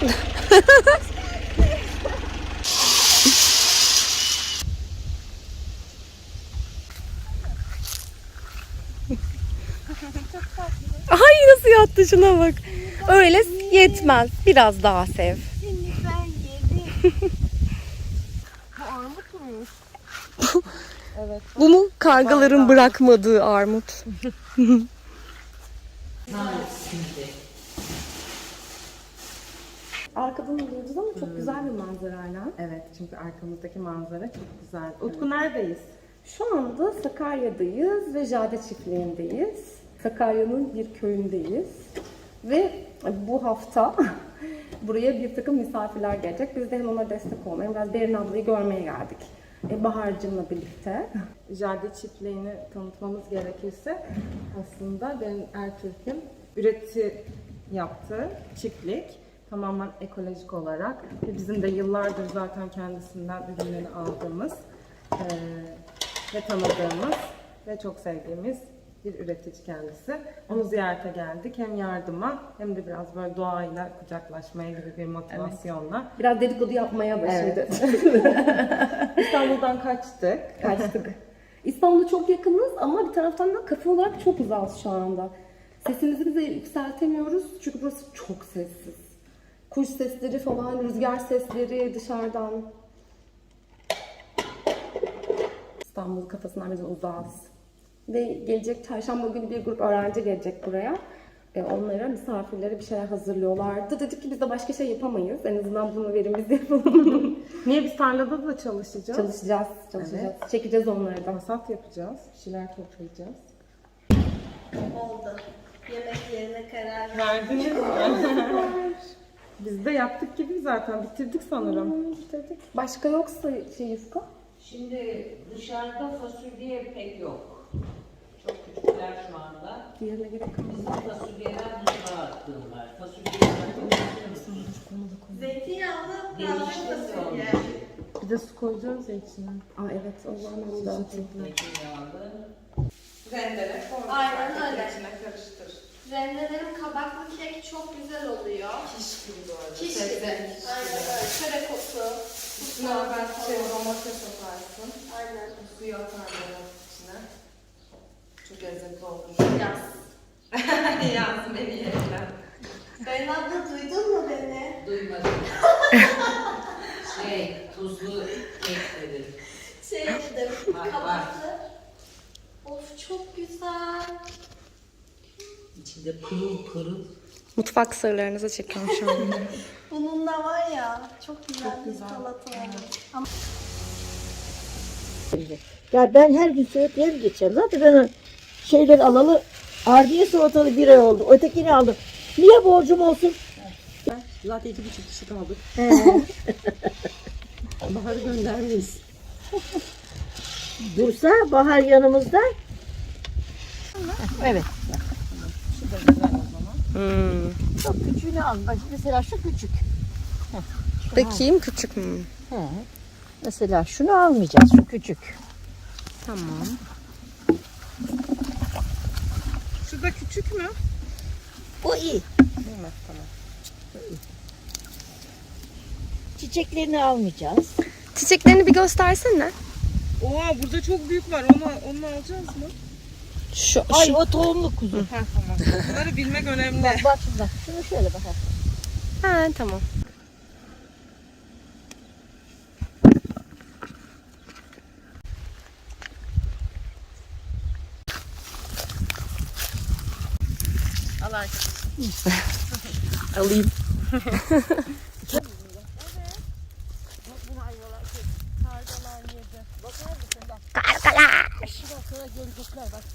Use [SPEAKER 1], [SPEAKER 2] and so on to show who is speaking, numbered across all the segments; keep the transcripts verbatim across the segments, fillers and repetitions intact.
[SPEAKER 1] Ay nasıl yattı, şuna bak. Öyle yetmez. Biraz daha sev.
[SPEAKER 2] Şimdi ben yedim. Bu armut muymuş?
[SPEAKER 1] Evet. Bu mu kargaların bırakmadığı armut? Arkadan alıyoruz ama çok güzel bir manzarayla.
[SPEAKER 3] Evet, çünkü arkamızdaki manzara çok güzel. Utku neredeyiz?
[SPEAKER 1] Şu anda Sakarya'dayız ve Jade Çiftliği'ndeyiz. Sakarya'nın bir köyündeyiz. Ve bu hafta buraya bir takım misafirler gelecek. Biz de hem ona destek olmaya, biraz Berin ablayı görmeye geldik. E, Bahar'cığımla birlikte.
[SPEAKER 3] Jade çiftliğini tanıtmamız gerekirse aslında Berin Ertürk'ün üreti yaptığı çiftlik. Tamamen ekolojik olarak ve bizim de yıllardır zaten kendisinden ürünlerini aldığımız e, ve tanıdığımız ve çok sevdiğimiz bir üretici kendisi. Onu ziyarete geldik. Hem yardıma hem de biraz böyle doğayla kucaklaşmaya gibi bir motivasyonla.
[SPEAKER 1] Evet. Biraz dedikodu yapmaya başladı.
[SPEAKER 3] Evet. İstanbul'dan kaçtık.
[SPEAKER 1] Kaçtık. İstanbul'a çok yakınız ama bir taraftan da kafe olarak çok uzağız şu anda. Sesimizi bize yükseltemiyoruz çünkü burası çok sessiz. Kuş sesleri falan, rüzgar sesleri dışarıdan. İstanbul kafasından biraz uzağız. Ve gelecek çarşamba günü bir grup öğrenci gelecek buraya. E, onlara, misafirlere bir şeyler hazırlıyorlardı. Dedik ki biz de başka şey yapamayız. En azından bunu verin biz yapalım.
[SPEAKER 3] Niye biz tarlada da çalışacağız?
[SPEAKER 1] Çalışacağız, çalışacağız. Evet. Çekeceğiz onları da.
[SPEAKER 3] Hasat yapacağız, bir şeyler toplayacağız.
[SPEAKER 2] Oldu. Yemek yerine karar
[SPEAKER 3] Verdiniz mi? Biz de yaptık gibi zaten, bitirdik sanırım.
[SPEAKER 1] Hmm, bitirdik. Başka yoksa şey yufka?
[SPEAKER 4] Şimdi dışarıda fasulye pek yok. Çok küçükler şu anda.
[SPEAKER 1] Diğerine gerek yok.
[SPEAKER 4] Bizim fasulyeler buzluğa attırdılar. Fasulyeler
[SPEAKER 2] Zeytinyağlı taze
[SPEAKER 4] gelişti
[SPEAKER 2] fasulye.
[SPEAKER 3] Bir de su koyacağız ya içine.
[SPEAKER 1] Aa evet, o zaman onu da atayım.
[SPEAKER 4] Zeytinyağlı.
[SPEAKER 3] Rendele, sonra
[SPEAKER 2] Aynen öyle.
[SPEAKER 3] içine karıştır.
[SPEAKER 2] Rendelerim kabaklı kek çok güzel oluyor.
[SPEAKER 3] Kiş gibi bu arada.
[SPEAKER 2] Kiş gibi. Aynen öyle. Çörek otu.
[SPEAKER 3] Üstüne ben şey domates atarsın.
[SPEAKER 2] Aynen.
[SPEAKER 3] Suyu atarlar içine. Çok lezzetli olur.
[SPEAKER 2] Yaz.
[SPEAKER 3] Yazdım en iyi yerden.
[SPEAKER 2] Ben abla duydun mu beni?
[SPEAKER 4] Duymadım. şey, tuzlu kek dedim.
[SPEAKER 2] Şey dedim.
[SPEAKER 4] Bak,
[SPEAKER 2] Kabaklı. Of çok güzel.
[SPEAKER 4] İçinde pırıl pırıl.
[SPEAKER 1] Mutfak sırlarınızı çekiyorum şu an.
[SPEAKER 2] Bununla var ya çok güzel bir salata olur. Ama
[SPEAKER 5] Ya ben her gün söğütlerim geçerim. Zaten ben şeyleri alalı ardiye salatalı bir ay oldu. Ötekini aldım. Niye borcum olsun?
[SPEAKER 6] Zaten iki buçuk kişi kaldık. Bahar'ı göndermeyiz.
[SPEAKER 5] Dursa Bahar yanımızda. Evet.
[SPEAKER 6] Şu da güzel o zaman.
[SPEAKER 1] Hmm.
[SPEAKER 5] Çok küçüğünü al. Bak mesela şu küçük.
[SPEAKER 1] Bakayım, küçük mü?
[SPEAKER 5] He. Mesela şunu almayacağız. Şu küçük.
[SPEAKER 1] Tamam.
[SPEAKER 3] Şu da küçük mü?
[SPEAKER 5] Bu iyi.
[SPEAKER 3] Değil mi? Tamam.
[SPEAKER 5] Çiçeklerini almayacağız.
[SPEAKER 1] Çiçeklerini bir göstersene.
[SPEAKER 3] Oha, burada çok büyük var. Onu, onu alacağız mı?
[SPEAKER 1] Şu,
[SPEAKER 5] Ay
[SPEAKER 1] şu.
[SPEAKER 5] o tohumlu kuzu.
[SPEAKER 3] Ha tamam. Bunları bilmek önemli.
[SPEAKER 5] Bak bak şurada. Şunu şöyle bak.
[SPEAKER 1] Ha tamam.
[SPEAKER 3] Al arkadaşım.
[SPEAKER 1] Alayım. Kargalar.
[SPEAKER 5] Sonra gelecekler bak.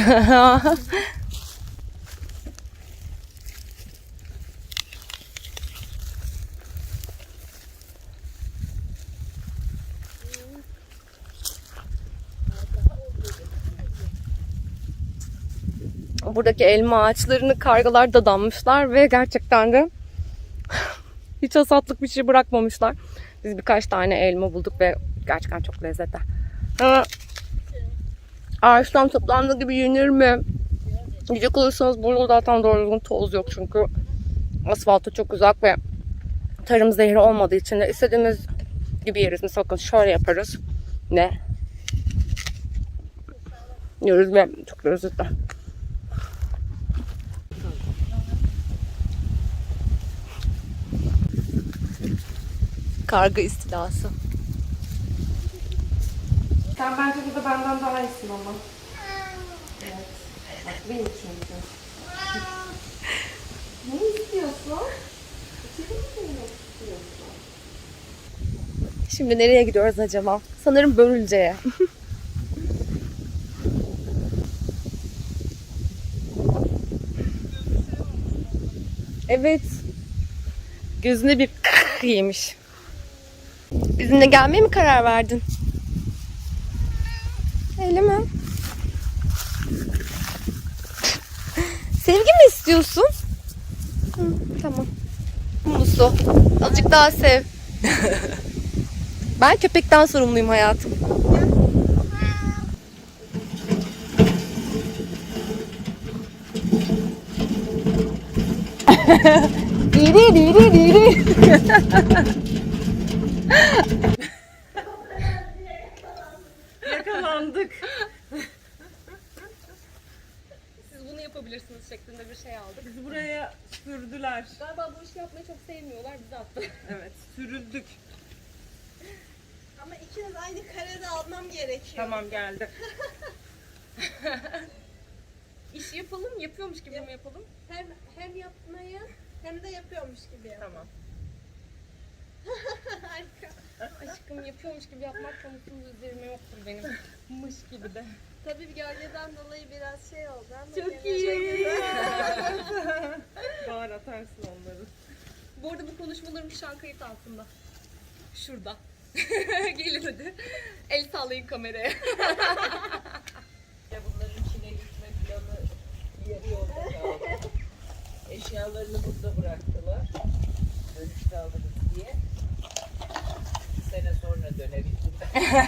[SPEAKER 1] Buradaki elma ağaçlarını kargalar dadanmışlar ve gerçekten de hiç hasatlık bir şey bırakmamışlar. Biz birkaç tane elma bulduk ve gerçekten çok lezzetli. Ha, ağaçtan toplandığı gibi yenir mi? Yiyecek olursanız burada zaten doğru düzgün toz yok çünkü asfalta çok uzak ve Tarım zehri olmadığı için de istediğimiz gibi yeriz. Mesela bakın şöyle yaparız. Ne? Yiyoruz ve çok lezzetli. Karga istilası. Sen bence burada benden daha iyisin ama. Evet. Benim çünkü. Ne istiyorsun? Şimdi nereye gidiyoruz acaba? Sanırım Börülce'ye. Evet. Gözüne bir yemiş. Bizimle gelmeye mi karar verdin? Öyle mi? Sevgi mi istiyorsun? Hı, tamam. Musu. Azıcık daha sev. Ben köpekten sorumluyum hayatım. Diri diri diri.
[SPEAKER 3] Yakalandık.
[SPEAKER 1] Siz bunu yapabilirsiniz şeklinde bir şey aldık.
[SPEAKER 3] Bizi buraya sürdüler.
[SPEAKER 1] Galiba bu işi yapmayı çok sevmiyorlar, bizi attı.
[SPEAKER 3] Evet, sürüldük.
[SPEAKER 2] Ama ikiniz aynı karede almam gerekiyor.
[SPEAKER 3] Tamam, geldi.
[SPEAKER 1] İş yapalım, yapıyormuş gibi mi yapalım?
[SPEAKER 2] Hem hem yapmayı hem de yapıyormuş gibi yap.
[SPEAKER 3] Tamam.
[SPEAKER 2] Harika.
[SPEAKER 1] Aşkım yapıyormuş gibi yapmak konusunda üzerime yoktur benim. Mış gibi de.
[SPEAKER 2] Tabii gölgeden dolayı biraz şey oldu ama
[SPEAKER 1] Çok
[SPEAKER 2] gene
[SPEAKER 1] iyi.
[SPEAKER 3] Bağır atarsın onları.
[SPEAKER 1] Bu arada bu konuşmalarım şu an kayıt altında. Şurada. Gelin hadi. El sallayın kameraya.
[SPEAKER 4] Bunların içine gitme planı yarı yolda kaldı. Eşyalarını burada bıraktılar. Dönüşte alırız diye. Bir sene sonra dönebildiler.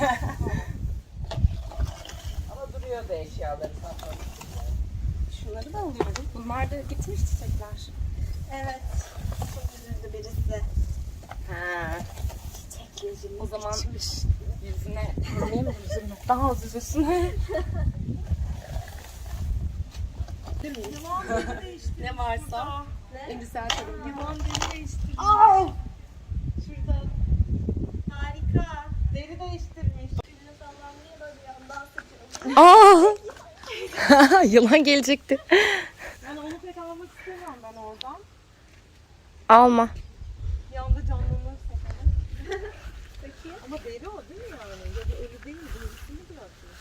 [SPEAKER 4] Ama duruyordu eşyaları satmamışlar.
[SPEAKER 1] Şunları da alıyorum. Bunlar da gitmiş çiçekler.
[SPEAKER 2] Evet. Çok üzüldü birisi.
[SPEAKER 1] Ha. O zaman yüzüne vurmayayım mı yüzüne? Daha az üzülsün. Ne varsa Endüsel tarım.
[SPEAKER 2] Yılan deri değiştirmiş.
[SPEAKER 1] Aa!
[SPEAKER 2] Şurada. Harika.
[SPEAKER 3] Deri değiştirmiş.
[SPEAKER 2] Eline sallanmaya da bir yandan sıçıyor.
[SPEAKER 1] Aa! Yılan gelecekti.
[SPEAKER 3] Yani onu pek almak istemiyorum ben oradan.
[SPEAKER 1] Alma.
[SPEAKER 3] Yanda canlanırsa falan. Peki. Ama deri o değil mi yani? Ya da ölü değil mi? Derisini bırakmış.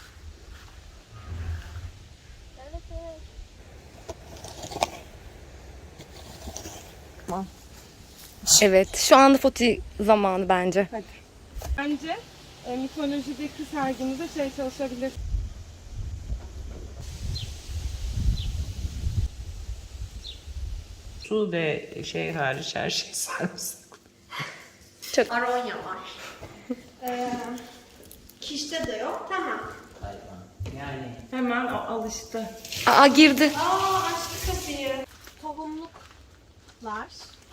[SPEAKER 2] Evet evet.
[SPEAKER 1] Evet, şu anda foto zamanı bence.
[SPEAKER 3] Bence e, mitolojideki sergimizde şey çalışabilir.
[SPEAKER 4] Su ve şey hariç her şey sarımsak.
[SPEAKER 2] Aronya var. ee, kişte de yok. Tamam.
[SPEAKER 4] Hayvan. Yani
[SPEAKER 3] Hemen o alıştı.
[SPEAKER 1] Aa girdi.
[SPEAKER 2] Aa açtı kapıyı. Tohumluklar.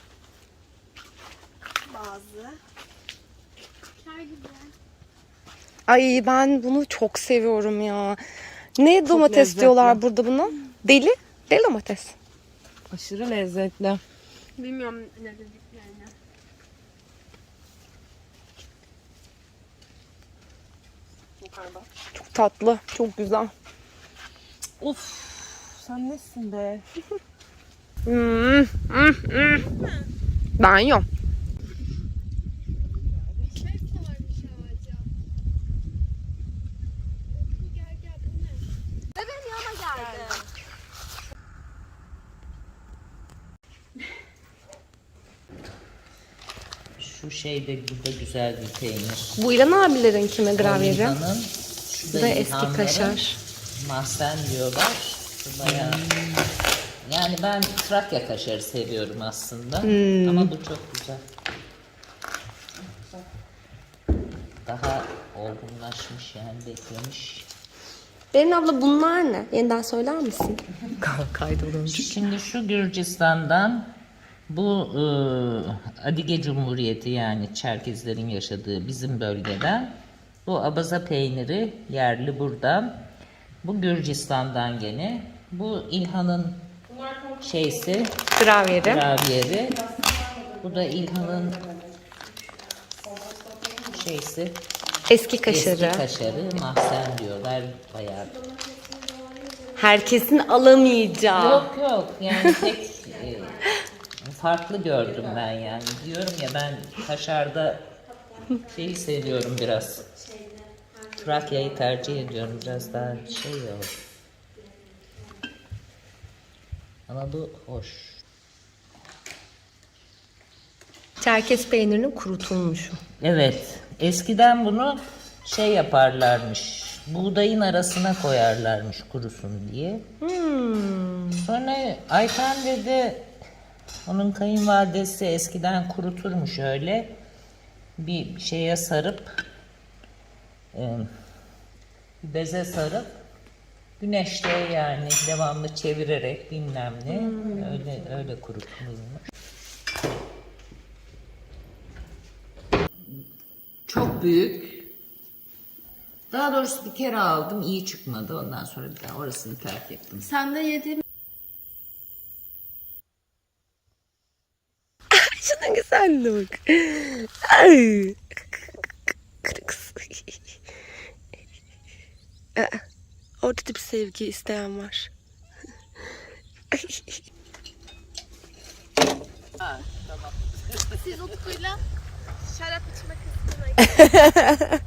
[SPEAKER 2] Bazı. Kar gibi.
[SPEAKER 1] Ay ben bunu çok seviyorum ya. Ne domates
[SPEAKER 3] lezzetli.
[SPEAKER 1] diyorlar burada buna? Deli. Deli domates.
[SPEAKER 3] Aşırı lezzetli.
[SPEAKER 2] Bilmiyorum ne dediklerini.
[SPEAKER 1] Çok tatlı. Çok güzel.
[SPEAKER 3] Of, sen nesin be?
[SPEAKER 1] Hmm, hmm, hmm. Ben yiyorum.
[SPEAKER 2] Bir şey sarmış ağaca. Bu gel gel bu ne? Ve benim yanıma geldi.
[SPEAKER 4] şu şey de burada güzel bir peynir.
[SPEAKER 1] Bu İlhan abilerin kime gravyeri?
[SPEAKER 4] Olivanın, şu
[SPEAKER 1] Bu
[SPEAKER 4] da
[SPEAKER 1] da eski
[SPEAKER 4] İlhanların
[SPEAKER 1] kaşar.
[SPEAKER 4] mahzen diyorlar. Bu bayağı... Yani ben Trakya kaşarı seviyorum aslında. Ama bu çok güzel. Daha olgunlaşmış yani beklemiş.
[SPEAKER 1] Berin abla bunlar ne? Yeniden söyler misin? Kaydolunca.
[SPEAKER 4] Şimdi şu Gürcistan'dan Bu e, Adige Cumhuriyeti, yani Çerkezlerin yaşadığı bizim bölgeden. Bu abaza peyniri yerli buradan. Bu Gürcistan'dan gene. Bu İlhan'ın şeysi,
[SPEAKER 1] Gravyeri.
[SPEAKER 4] gravyeri. Bu da İlhan'ın şeysi,
[SPEAKER 1] Eski kaşarı.
[SPEAKER 4] eski kaşarı. Mahzen diyorlar bayağı.
[SPEAKER 1] Herkesin alamayacağı.
[SPEAKER 4] Yok yok, yani tek e, farklı gördüm ben yani. Diyorum ya, ben kaşarda şeyi seviyorum biraz. Trakya'yı tercih ediyorum, biraz daha şey ya. Ama bu hoş.
[SPEAKER 1] Çerkez peynirinin kurutulmuşu.
[SPEAKER 4] Evet, eskiden bunu şey yaparlarmış, buğdayın arasına koyarlarmış kurusun diye. Sonra Ayten dedi, onun kayınvalidesi eskiden kuruturmuş öyle, bir şeye sarıp, e, bir beze sarıp, güneşte yani devamlı çevirerek bilmem ne, öyle öyle kurutulmuş. Çok büyük. Daha doğrusu bir kere aldım, iyi çıkmadı. Ondan sonra bir daha orasını terk ettim.
[SPEAKER 2] Sen de yediğim
[SPEAKER 1] Şunun güzelliğine bak. Ay. Kırıks. Aa, Orada da bir sevgi isteyen var.
[SPEAKER 2] siz Utku'yla şarap içme kısmına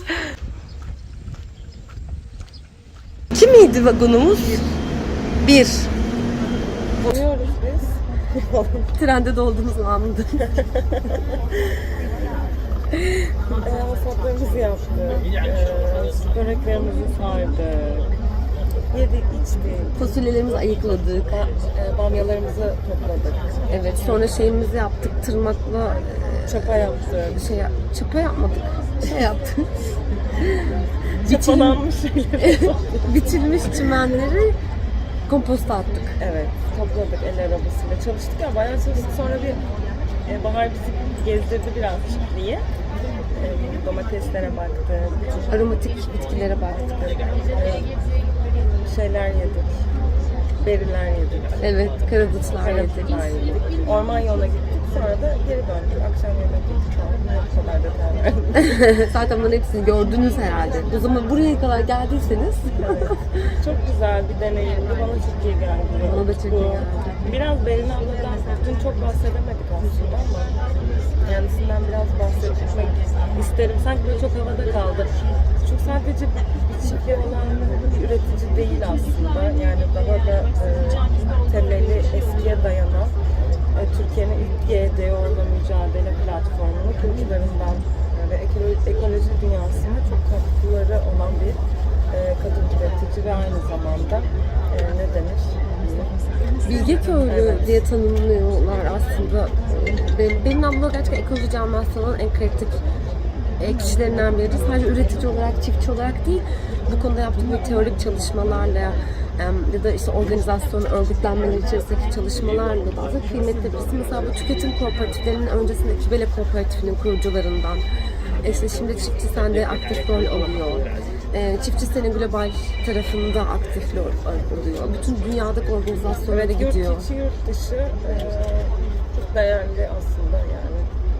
[SPEAKER 1] İki miydi vagonumuz? Bir.
[SPEAKER 3] Oluyoruz biz.
[SPEAKER 1] Trende dolduğumuz anında.
[SPEAKER 3] Masraflarımızı yaptık. Ee, böreklerimizi sardık. Yedik, içtik.
[SPEAKER 1] Fasulyelerimizi ayıkladık.
[SPEAKER 3] Ba- e, bamyalarımızı topladık.
[SPEAKER 1] Evet, sonra şeyimizi yaptık. Tırmakla
[SPEAKER 3] Çapa yaptık.
[SPEAKER 1] e, şey yap- çapa yapmadık. Şey yaptık.
[SPEAKER 3] Çapalanmış şeyler.
[SPEAKER 1] Biçilmiş çimenleri komposta attık.
[SPEAKER 3] Evet, topladık el arabasıyla. Çalıştık ya, bayağı çalıştık. Sonra bir e, Bahar bizi gezdirdi biraz çiftliği. E, domateslere baktık.
[SPEAKER 1] Aromatik bitkilere baktık.
[SPEAKER 3] E, şeyler yedik. Beriler yedik.
[SPEAKER 1] Evet, karadutlar yedik.
[SPEAKER 3] Karadutlar yedik. Orman yoluna gittik. Sonra da geri döndük. Akşam yemek yedik. O kadar detay verdim.
[SPEAKER 1] Zaten bunların hepsini gördünüz herhalde. O zaman buraya kadar geldiyseniz
[SPEAKER 3] Çok güzel bir deneyimdi. Bana çok iyi geldi.
[SPEAKER 1] Bana da çok iyi
[SPEAKER 3] Bu-
[SPEAKER 1] geldi.
[SPEAKER 3] Biraz Berin abladan dün çok bahsedemedik aslında ama kendisinden biraz bahsetmek isterim. Sanki böyle çok havada kaldı. Çünkü sadece bir çiftliği olan bir üretici değil aslında. Yani daha da e, temeli eskiye dayanan e, Türkiye'nin ilk G D O'la mücadele platformunu kurucularından ve ekolo- ekoloji dünyasına çok katkıları olan bir e, kadın üretici ve aynı zamanda e, ne denir?
[SPEAKER 1] Bilge köylü diye tanımlıyorlar aslında. Benim, benim abla gerçekten ekoloji camiasının en kritik e, kişilerinden biri. Sadece üretici olarak, çiftçi olarak değil, bu konuda yaptığı bir teorik çalışmalarla e, ya da işte organizasyon, örgütlenmeler içerisindeki çalışmalarla da aslında kıymetli birisi. Mesela bu tüketim kooperatiflerinin öncesinde Kibele Kooperatifinin kurucularından. E İşte şimdi Çiftçi Sen'de aktif rol alıyor. E, Çiftçi Sen'in global tarafında aktif rol alıyor. Bütün dünyadaki organizasyonlara
[SPEAKER 3] Evet, yurt
[SPEAKER 1] gidiyor.
[SPEAKER 3] içi yurt dışı e, çok değerli aslında yani.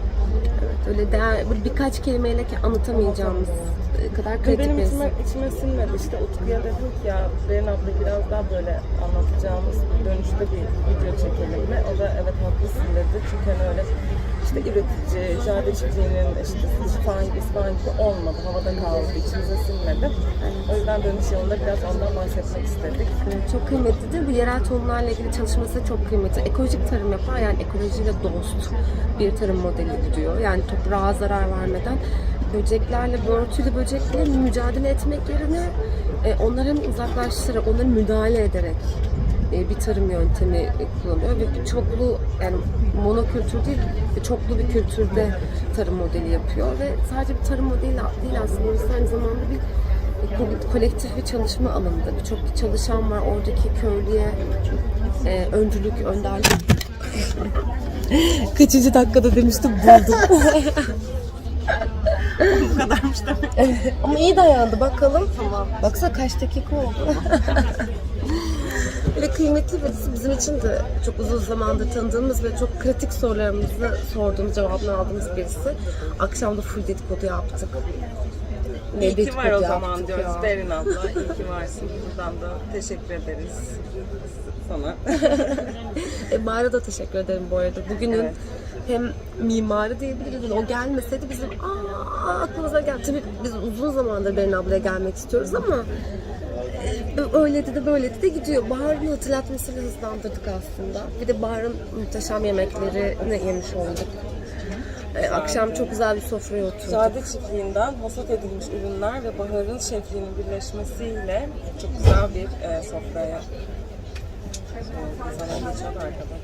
[SPEAKER 1] Öyle değer, böyle birkaç kelimeyle ki anlatamayacağımız e, kadar
[SPEAKER 3] Ve
[SPEAKER 1] kritik
[SPEAKER 3] benim
[SPEAKER 1] bir
[SPEAKER 3] içime,
[SPEAKER 1] isim.
[SPEAKER 3] içime sinmedi. İşte Utku'ya dedim ki ya Berin abla biraz daha böyle anlatacağımız dönüşte bir video çekelim mi? O da evet haklısın dedi. Çünkü hani öyle işte üretici, jade çiftliğinin işte falan gibi falan gibi olmadı. Havada kaldı, içimize sinmedi. O yüzden dönüş yolunda biraz ondan bahsetmek istedik.
[SPEAKER 1] Evet, çok kıymetlidir. Bu yerel tohumlarla ilgili çalışması çok kıymetli. Ekolojik tarım yapar, yani ekolojiyle dost bir tarım modeli gidiyor. Yani toprağa zarar vermeden böceklerle, börtülü böcekle mücadele etmek yerine e, onların uzaklaştırarak, onları müdahale ederek e, bir tarım yöntemi e, kullanıyor ve çoklu, yani monokültür değil, çoklu bir kültürde tarım modeli yapıyor ve sadece bir tarım modeli değil aslında, orası aynı zamanda bir ko- kolektif bir çalışma alanında. Birçok bir çalışan var, oradaki köylüye e, öncülük, önderlik
[SPEAKER 6] Kaçıncı dakikada demiştim buldum. Bu kadarmış demek.
[SPEAKER 1] Ama iyi dayandı bakalım. Tamam. Baksana kaç dakika oldu. Böyle kıymetli birisi, bizim için de çok uzun zamandır tanıdığımız ve çok kritik sorularımızı sorduğumuz, cevabını aldığımız birisi. Akşam da full dedikodu yaptık. Ne
[SPEAKER 3] İyi ki
[SPEAKER 1] dedikodu
[SPEAKER 3] var o
[SPEAKER 1] yaptık
[SPEAKER 3] zaman diyoruz
[SPEAKER 1] ya.
[SPEAKER 3] Berin abla. İyi ki varsın. Buradan da teşekkür ederiz sana.
[SPEAKER 1] E, Mağara da teşekkür ederim bu arada. Bugünün
[SPEAKER 3] Evet.
[SPEAKER 1] hem mimarı diyebiliriz. O gelmeseydi bizim aa aklımıza geldi. Tabii biz uzun zamandır Berin ablaya gelmek istiyoruz ama e, öyle de böyle de gidiyor. Bahar'ın hatırlatmasıyla hızlandırdık aslında. Bir de Bahar'ın muhteşem yemeklerini yemiş olduk. E, akşam çok güzel bir sofraya oturduk.
[SPEAKER 3] Jade çiftliğinden hasat edilmiş ürünler ve Bahar'ın şefliğinin birleşmesiyle çok güzel bir e, sofraya zaman geçiyordu arkada.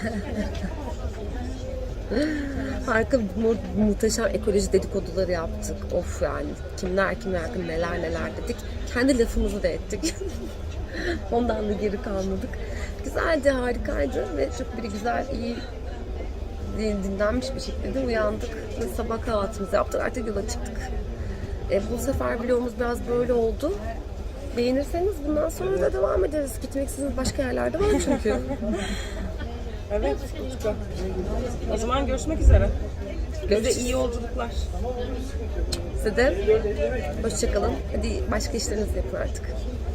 [SPEAKER 1] Harika mu- muhteşem ekoloji dedikoduları yaptık. Of yani kimler kimler hakkında neler neler dedik. Kendi lafımızı da ettik. Ondan da geri kalmadık. Güzeldi, harikaydı ve çok bir güzel, iyi dinlenmiş bir şekilde uyandık. Ve sabah kahvaltımızı yaptık. Artık yola çıktık. E, bu sefer vlogumuz biraz böyle oldu. Beğenirseniz bundan sonra da devam ederiz. Gitmek istediğiniz başka yerlerde var çünkü.
[SPEAKER 3] Evet, Utku. O zaman görüşmek üzere. Size
[SPEAKER 1] Görüşürüz.
[SPEAKER 3] iyi yolculuklar.
[SPEAKER 1] Size de hoşçakalın. Hadi başka işlerinizi yapın artık.